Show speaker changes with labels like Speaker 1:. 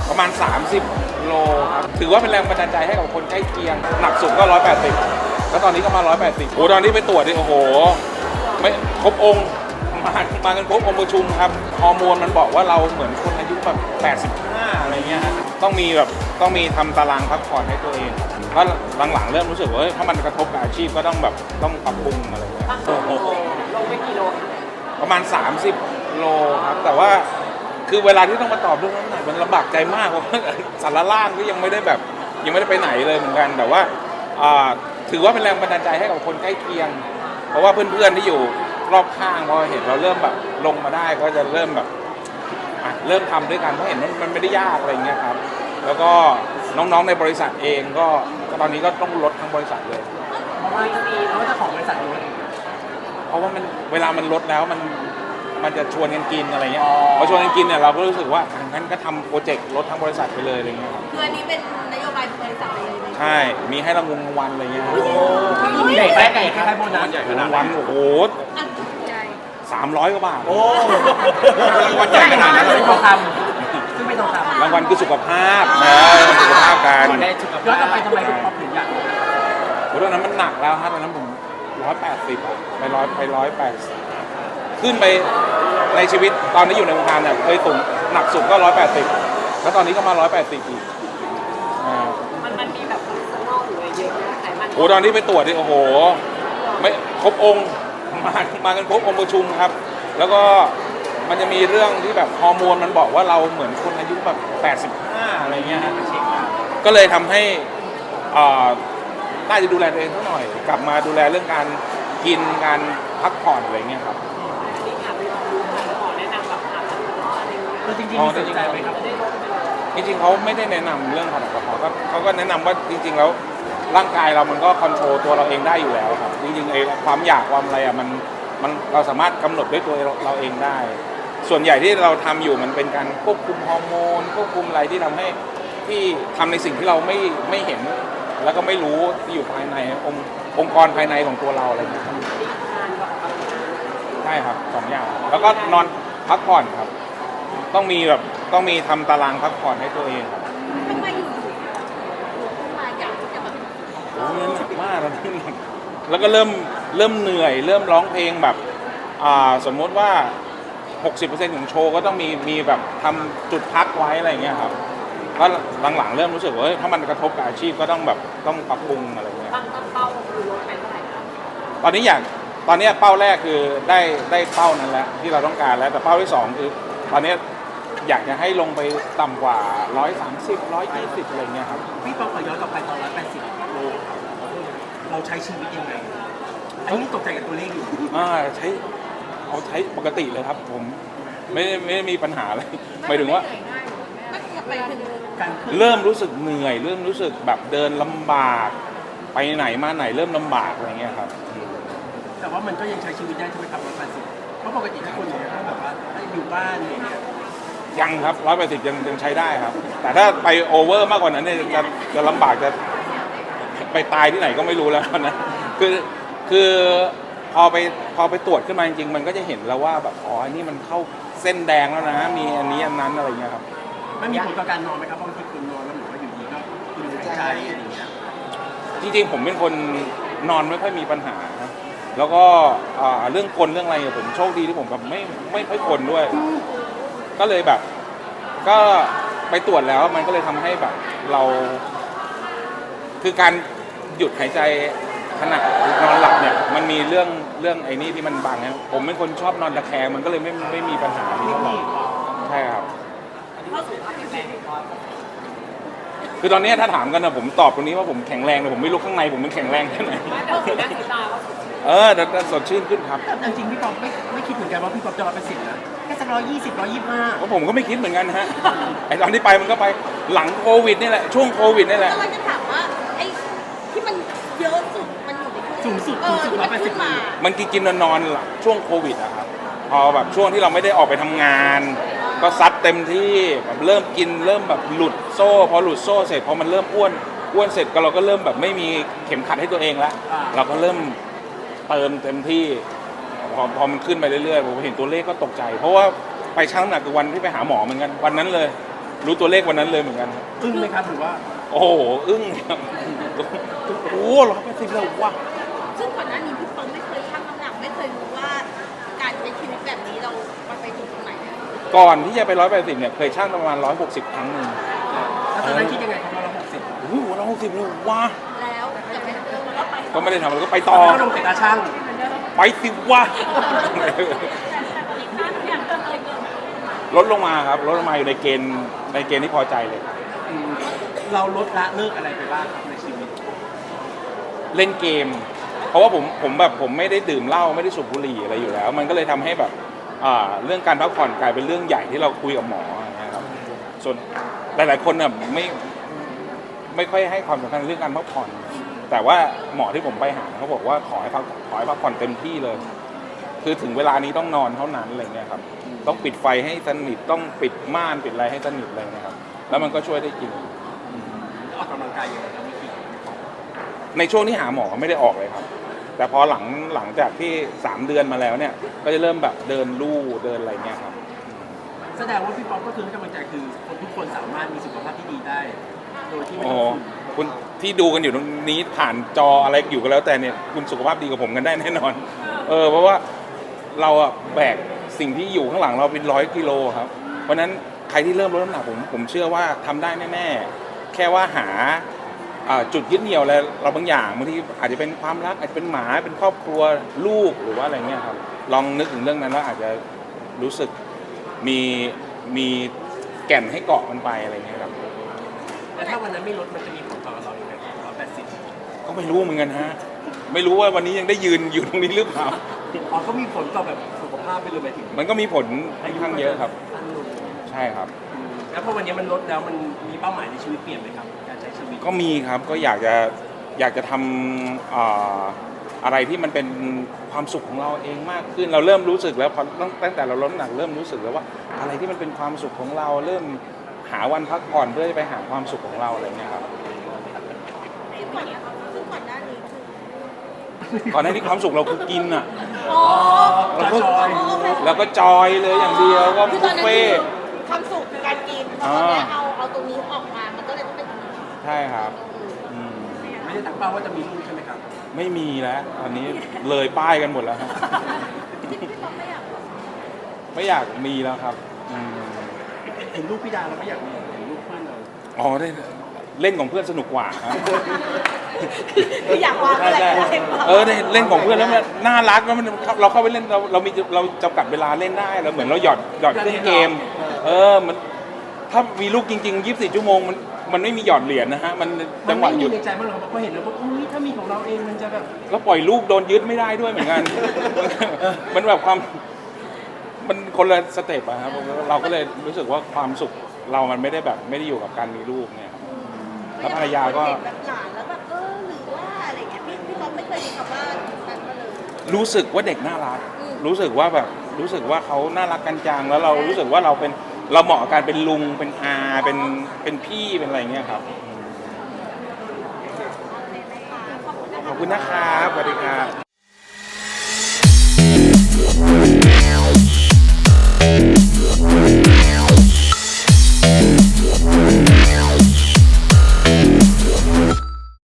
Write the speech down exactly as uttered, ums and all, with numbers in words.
Speaker 1: ประมาณ สามสิบ โลครับถือว่าเป็นแรงบันดาลใจให้กับคนใกล้เคียงหนักสุดก็หนึ่งร้อยแปดสิบแล้วตอนนี้ก็มาหนึ่งร้อยแปดสิบโอ้ตอนนี้ไปตรวจดิโอ้โหไม่ครบองค์มามากันครบองค์ประชุมครับฮอร์โมนมันบอกว่าเราเหมือนคนอายุแบบแปดสิบห้าอะไรเงี้ยต้องมีแบบต้องมีทำตารางพักผ่อนให้ตัวเองเพราะหลังๆเริ่มรู้สึกว่าถ้ามันกระทบกับอาชีพก็ต้องแบบต้องปรับปรุงอะไรเงี้ย
Speaker 2: ลงไปกี่โล
Speaker 1: ประมาณ สามสิบ โลครับแต่ว่าคือเวลาที่ต้องมาตอบเรื่องน้ำหนักมันลำบากใจมากเพราะว่าสารล่างก็ยังไม่ได้แบบยังไม่ได้ไปไหนเลยเหมือนกันแต่ว่าถือว่าเป็นแรงบันดาลใจให้กับคนใกล้เคียงเพราะว่าเพื่อนๆที่อยู่รอบข้างพอเห็นเราเริ่มแบบลงมาได้ก็จะเริ่มแบบเริ่มทำด้วยกันเพราะเห็นมันไม่ได้ยากอะไรเงี้ยครับแล้วก็น้องๆในบริษัทเองก็ตอนนี้ก็ต้องลดทั้งบริษัทเลย
Speaker 2: เพราะว่ามีเพราะว่าเจ้าของบริษัทลด
Speaker 1: เพราะว่ามันเวลามันลดแล้วมันมันจะชวนกันกินอะไรเงี้ยพอชวนกันกินเนี่ยเราก็รู้สึกว่างั้นก็ทำโปรเจกต์ลดทั้งบริษัทไปเลยอะไรเงี้ยครับ
Speaker 3: คืออันนี้เป็นนโยบายบริษัทเลย
Speaker 1: ใช่มีให้รางวัลรางวัลอะไรเงี้ย
Speaker 2: มีใหญ่ไปใหญ่คล้ายๆโบนัส
Speaker 1: รางวัลโอ้โหสามร้อยกว่าบาท
Speaker 2: โอ้
Speaker 1: รางวัลใหญ่ขนาดนั้น
Speaker 2: เลยทองคำซึ่งเป็นทองคำ
Speaker 1: รางวัลคือสุขภาพนะสุขภาพการ
Speaker 2: ย้อนกลับไปทำไมถึงถึงอยาก
Speaker 1: เพราะตอนนั้นมันหนักแล้วฮะตอนนั้นผมร้อยแปดสิบไปร้อยไปร้อยแปดขึ้นไปในชีวิตตอนนี้อยู่ในวงการเนี่ยเคยสูงหนักสุดก็ร้อยแปดสิบแล้วตอนนี้ก็มาร้อยแปดสิบอีก
Speaker 3: มันมันมีแบบคอเลสเตอรอลหรืออะไรเยอะไหมไขมัน
Speaker 1: โอ้ตอนนี้ไปตรวจดิโอ้โหไม่ครบองค์มามากันครบองค์ประชุมครับแล้วก็มันจะมีเรื่องที่แบบฮอร์โมนมันบอกว่าเราเหมือนคนอายุแบบแปดสิบห้าอะไรเงี้ยฮะก็เลยทำให้น่าจะดูแลตัวเองสักหน่อยกลับมาดูแลเรื่องการกินการพักผ่อนอะไรเงี้ยครับ
Speaker 3: นี่ค่ะไปลองดูค่ะขอแนะนำแบบผ่านอะไรเงี้ย
Speaker 2: จริงๆมีสนใจไหมครับ
Speaker 1: จริงๆเขาไม่ได้แนะนำเรื่องผ่านกระเพาะก็เขาก็แนะนำว่าจริงๆแล้วร่างกายเรามันก็คอนโทรลตัวเราเองได้อยู่แล้วครับจริงๆไอ้ความอยากความอะไรอ่ะมันมันเราสามารถกำหนดด้วยตัวเราเองได้ส่วนใหญ่ที่เราทำอยู่มันเป็นการควบคุมฮอร์โมนควบคุมอะไรที่ทำให้ที่ทำในสิ่งที่เราไม่ไม่เห็นแล้วก็ไม่รู้ที่อยู่ภายในองค์องค์กรภายในของตัวเราอะไรอย่างเงี้ยใช่ครับสองอย่างแล้วก็นอนพักผ่อนครับต้องมีแบบต้องมีทำตารางพักผ่อนให้ตัวเองครับ
Speaker 3: ทำไมอยู่ๆมาอยากจะแบบ
Speaker 1: โอ้ยหนักมากแล้วแล้วก็เริ่มเริ่มเหนื่อยเริ่มร้องเพลงแบบอ่าสมมติว่า หกสิบเปอร์เซ็นต์ ของโชว์ก็ต้องมีมีแบบทำจุดพักไว้อะไรอย่างเงี้ยครับก็หลังๆเริ่มรู้สึกว่าถ้ามันกระทบกับอาชีพก็ต้องแบบต้องปรับปรุงอะไรเงี้ย
Speaker 3: ตั้งตั้งเป้าคือลดไปเท่าไหร่ครับ
Speaker 1: ตอนนี้อยากตอนนี้เป้าแรกคือได้ได้เป้านั้นแล้วที่เราต้องการแล้วแต่เป้าที่สองคือตอนนี้อยากจะให้ลงไปต่ำกว่าหนึ่งร้อยสามสิบ หนึ่งร้อยยี่สิบอะไรเงี้ยครับ
Speaker 2: พี่ปอขอย้อนกลับไปตอนหนึ่งร้อยแปดสิบโลเราใช้ชีวิตยังไงอันนี้ตกใจกับตัวเลขอยู่
Speaker 1: อ่าใช้เอาใช้ปกติเลยครับผมไม่ไม่มีปัญหาอะไรหมายถึงว่าเริ่มรู้สึกเหนื่อยเริ่มรู้สึกแบบเดินลำบากไปไหนมาไหนเริ่มลำบากอะไรเงี้ยครับ
Speaker 2: แต่ว่ามันก็ยังใช้ชีวิตได้ใช่ไหมครับร้อยแปดสิบเพราะปกติทุกคนเนี่ยถ้าแบบว่าถ้าอยู่บ้านอย่างเงี้ย
Speaker 1: ยังครับร้อยแปดสิบยังยังใช้ได้ครับแต่ถ้าไปโอเวอร์มากกว่านั้นเนี่ยจะจะลำบากจะไปตายที่ไหนก็ไม่รู้แล้วนะคือคือพอไปพอไปตรวจขึ้นมาจริงๆมันก็จะเห็นแล้วว่าแบบอ๋ออันนี้มันเข้าเส้นแดงแล้วนะมีอันนี้อันนั้นอะไรเงี้ยครับ
Speaker 2: ไม่มีผลต่อการนอนไหมครับบางทีคุณนอนแล้วหรือว่าอยู่ดีก็คุณหายใจอะไรอย่างเงี้ย
Speaker 1: จริงๆผมเป็นคนนอนไม่ค่อยมีปัญหาแล้วก็เรื่องกลเรื่องอะไรผมโชคดีที่ผมแบบไม่ไม่ค่อยกลด้วยก็เลยแบบก็ไปตรวจแล้วมันก็เลยทำให้แบบเราคือการหยุดหายใจขณะนอนหลับเนี่ยมันมีเรื่องเรื่องไอ้นี่ที่มันบังนะผมเป็นคนชอบนอนตะแคงมันก็เลยไม่ไม่มีปัญหาที่เท่าไหร่ใช่ครับคือตอนนี้ถ้าถามกันนะผมตอบตรงนี้ว่าผมแข็งแรงแต่ผมไม่รู้ข้างในผมมันแข็งแรงแค่ไหนเออแต่สดชื่นขึ้นครับ
Speaker 2: แต่จริงพี่ป๊อปไม่ไม่คิดเหมือนกันว่าพี่ป๊อปจะร้อยแปดสิบนะแค่สักร้อยยี่สิบร้อยยี่สิบห้า
Speaker 1: ก็ผมก็ไม่คิดเหมือนกันฮะไอตอนที่ไปมันก็ไปหลังโควิดนี่แหละช่วงโควิดนี่แหละ
Speaker 3: เราจะถามว่าไอ้ที่มันเยอะสุดมันอยู่ใน
Speaker 2: สูงสุดสูงสุดร้อยแปดสิบมา
Speaker 1: มันกินกินนอนๆช่วงโควิดอะครับพอแบบช่วงที่เราไม่ได้ออกไปทำงานก็ซัดเต็มที่แบบเริ่มกินเริ่มแบบหลุดโซ่พอหลุดโซ่เสร็จพอมันเริ่มอ้วนอ้วนเสร็จก็เราก็เริ่มแบบไม่มีเข็มขัดให้ตัวเองแล้วเราก็เริ่มเติมเต็มที่พอพอมันขึ้นไปเรื่อยๆผมเห็นตัวเลขก็ตกใจเพราะว่าไปชั่งน้ำหนักคือวันที่ไปหาหมอเหมือนกันวันนั้นเลยรู้ตัวเลขวันนั้นเลยเหมือนกันครับ
Speaker 2: อึ้งไหมครับหรือว่า
Speaker 1: โอ้โหอึ้งครับโอ้ร้อยแปดสิบเลยว่ะ
Speaker 4: ซึ่งก่อนหน้านี้พี่ป๊อปไม่เคยชั่งน้ำหนักไม่เคยรู้ว่าการใช้ชีวิตแบบนี้เรามันไปถึงตรงไหนอะ
Speaker 1: ก่อนที่จะไปร้อยแปดสิบเนี่ยเคยชั่งประมาณร้อยหกสิบครั้งหนึ่ง
Speaker 2: แล้วตอนนั้นคิดยังไงครับว่าเราหกสิบ
Speaker 1: โอ้โหร้อยหกสิบเลยว่ะ
Speaker 4: แล้วจะไม่เออมันก็ไป
Speaker 1: ก็ไม่ได้ทำอะไรก็ไปต่อ
Speaker 2: ก็ลงแต่ตาช่าง
Speaker 1: ไปสิวะลดลงมาครับลดลงมาอยู่ในเกณฑ์ในเกณฑ์ที่พอใจเลย
Speaker 2: อืมเราลดละเลิกอะไรไปบ้างครับในชีวิต
Speaker 1: เล่นเกม เพราะว่าผมผมแบบผมไม่ได้ดื่มเหล้าไม่ได้สูบบุหรี่อะไรอยู่แล้ว มันก็เลยทำให้แบบอ่าเรื่องการพักผ่อนกลายเป็นเรื่องใหญ่ที่เราคุยกับหมอนะครับส่วนหลายๆคนน่ะไม่ไม่ค่อยให้ความสำคัญเรื่องการพักผ่อน แต่ว่าหมอที่ผมไปหาเขาบอกว่าขอให้พักขอให้พักผ่อนเต็มที่เลย คือถึงเวลานี้ต้องนอนเท่านั้นอะไรเงี้ยครับต้องปิดไฟให้สนิทต้องปิดม่านปิดอะไรให้สนิทเลยนะครับแล้วมันก็ช่วยได้จริง
Speaker 2: ออกกำลังกายยังไงครับวิธี
Speaker 1: ในช่วงที่หาหมอไม่ได้ออกเลยครับ แต่พอหลังหลังจากที่สามเดือนมาแล้วเนี่ยก็จะเริ่มแบบเดินลู่เดินอะไรเงี้ยครับ
Speaker 2: แสดงว่าพี่ป๊อปก็คือให้กำลังใจคือคนทุกคนสามารถมีสุขภาพที่ดีได้ โดยที่ไม่
Speaker 1: โอ้
Speaker 2: ต้องฝืน
Speaker 1: คุณที่ดูกันอยู่ตรงนี้ผ่านจออะไรอยู่ก็แล้วแต่เนี่ยคุณสุขภาพดีกว่าผมกันได้แน่นอนเออเพราะว่าเราอะแบกสิ่งที่อยู่ข้างหลังเราเป็นร้อยกิโลครับเพราะฉะนั้นใครที่เริ่มลดน้ำหนักผมผมเชื่อว่าทำได้แน่ๆแค่ว่าหาอ่าจุดยึดเหนี่ยวอะไรเราบางอย่างบางทีอาจจะเป็นความรักอาจจะเป็นหมาเป็นครอบครัวลูกหรือว่าอะไรเงี้ยครับลองนึกถึงเรื่องนั้นแล้วอาจจะรู้สึกมีมีแก่นให้เกาะมันไปอะไรเงี้ยครับ
Speaker 2: แต่ถ้าวันนั้นไม่ลดมันจะมีผลต่อเราอย่างไรร้อยแปดสิบ
Speaker 1: ก็ไม่รู้เหมือนกันฮะไม่รู้ว่าวันนี้ยังได้ยืนอยู่ตรงนี้หรือเปล่า
Speaker 2: อ๋อก็มีผลต่อแบบสุขภาพไปเลยหมายถึง
Speaker 1: มันก็มีผลค่อนข้างเยอะครับ
Speaker 2: สั้นลง
Speaker 1: ใช่ครับ
Speaker 2: อืมแล้วพอวันนี้มันลดแล้วมันมีเป้าหมายในชีวิตเปลี่ยนไหมครับการใช้ชีวิต
Speaker 1: ก็มีครับก็อยากจะอยากจะทำอ่าอะไรที่มันเป็นความสุขของเราเองมากขึ้น เราเริ่มรู้สึกแล้วพอตั้งแต่เราลดน้ำหนักเริ่มรู้สึกแล้วว่าอะไรที่มันเป็นความสุขของเรา เริ่มหาวันพักผ่อนเพื่อจะไปหาความสุขของเราอะไรเงี้ยครับ
Speaker 4: ซึ่งก่อนซึ่งก่อนหน้านี้คือ
Speaker 1: ก่อนหน้านี้ความสุขเราคือกินอ่ะ
Speaker 4: อ๋อ
Speaker 2: เราก็จอย
Speaker 1: แล้วก็จอยเลยอย่างเดียวก็
Speaker 4: คือ
Speaker 1: บุ
Speaker 4: ตอน
Speaker 1: ฟ
Speaker 4: นั้น
Speaker 1: เฟ่
Speaker 4: คือ
Speaker 1: ต์
Speaker 4: ความสุขการกินพอตอนเนี้ยเอาเอาตรงนี้ออกมามันก็เลยต้องเป็นตรงนี้
Speaker 1: ใช่ครับอืม
Speaker 2: ไม่ได้ตั้งเป้าว่าจะมีลูกใช่ไหมครับ
Speaker 1: ไม่มีแล้วตอนนี้เลยป้ายกันหมดแล้วครับ
Speaker 4: ที่พี่ป๊อปไม่อยากบอก
Speaker 1: ไม่อยากมีแล้วครับอืม
Speaker 2: เห็นลูกพี่ดาเราไม่อยากมีเห็นลูกเพื่อนเรา
Speaker 1: อ๋อได้เล่นของเพื่อนสนุกกว่าครับ
Speaker 4: คืออยากวาง
Speaker 1: ใช่
Speaker 4: อะไร
Speaker 1: ใช่
Speaker 4: อะไร
Speaker 1: เออได้เล่นของเพื่อนแล้วมันน่ารักแล้วมันเราเข้าไปเล่นเราเรามีเราจำกัดเวลาเล่นได้เราเหมือนเราหยอดหยอดเครื่องเกม เออมันถ้ามีลูกจริงๆยี่สิบสี่ชั่วโมงมันมันไม่มีหยอดเหรียญนะฮะมัน
Speaker 2: มั
Speaker 1: จั
Speaker 2: น
Speaker 1: งห
Speaker 2: ไม่
Speaker 1: วะห
Speaker 2: มี
Speaker 1: ยุด
Speaker 2: ในใจบ้างเหรอครับเพราะเห็นแล้วว่าอุ้ยถ้ามีของเราเองมันจะแบบ
Speaker 1: แล้วปล่อยลูกโดนยึดไม่ได้ด้วยเหมือนกัน มันแบบความมันคนละสเต็ปอะครับเราก็เลยรู้สึกว่าความสุขเรามันไม่ได้แบบไม่ได้อยู่กับการมีลูกเนี่ยครับแล้วภรรยาก็
Speaker 4: เห็นแบบหลานแล้วแบบเออหรือว่าอะไรเงี้ยพี่พี่ป๊อปไม่เคยมีคำว่านั้นมาเลย
Speaker 1: รู้สึกว่าเด็กน่ารัก
Speaker 4: อืม
Speaker 1: รู้สึกว่าแบบรู้สึกว่าเขาน่ารักกันจังแล้วเรารู้สึกว่าเราเป็นเราเหมาะกับการเป็นลุงเป็นอาเป็นเป็นพี่เป็นอะไรเงี้ยครับขอบคุณนะครับสวัสดีครับ